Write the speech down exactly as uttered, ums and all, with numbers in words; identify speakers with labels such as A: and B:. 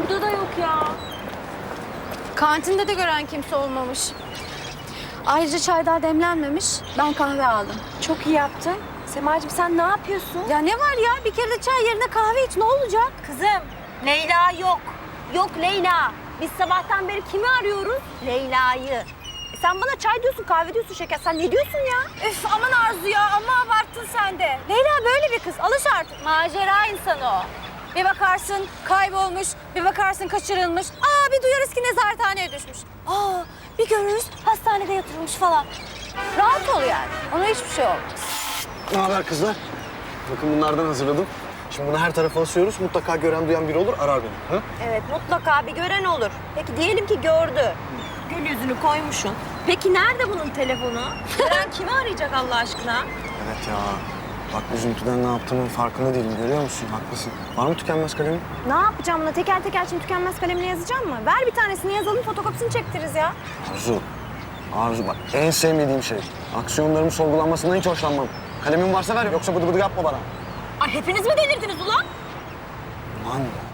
A: Burada da yok ya.
B: Kantinde de gören kimse olmamış. Ayrıca çay daha demlenmemiş. Ben kahve aldım.
A: Çok iyi yaptın. Semacığım sen ne yapıyorsun?
B: Ya ne var ya? Bir kere de çay yerine kahve iç. Ne olacak?
A: Kızım, Leyla yok. Yok Leyla. Biz sabahtan beri kimi arıyoruz? Leyla'yı. E sen bana çay diyorsun, kahve diyorsun şeker. Sen ne diyorsun ya?
B: Üf aman Arzu ya. Amma abarttın sen de. Leyla böyle bir kız. Alış artık.
A: Macera insanı o.
B: Bir bakarsın kaybolmuş. Bir bakarsın kaçırılmış. Aa bir duyarız ki nezarethaneye düşmüş. Aa bir görürüz hastanede yatırılmış falan. Rahat ol yani. Ona hiçbir şey olmaz.
C: Ne haber kızlar? Bakın bunlardan hazırladım. Şimdi bunu her tarafa asıyoruz. Mutlaka gören duyan biri olur, arar beni. Ha?
A: Evet, mutlaka bir gören olur. Peki diyelim ki gördü. Gül yüzünü koymuşsun. Peki nerede bunun telefonu? Gören kimi arayacak Allah aşkına?
C: Evet ya. Bak üzüntüden ne yaptığımın farkında değilim. Görüyor musun? Haklısın. Var mı tükenmez kalemin?
B: Ne yapacağım buna? Teker teker şimdi tükenmez kalemle yazacağım mı? Ver bir tanesini yazalım, fotokopisini çektiririz ya.
C: Arzu. Arzu bak en sevmediğim şey. Aksiyonlarımın sorgulanmasından hiç hoşlanmam. Kalemin varsa ver yoksa bıdı bıdı yapma bana.
A: Ay hepiniz mi delirdiniz ulan?
C: Lan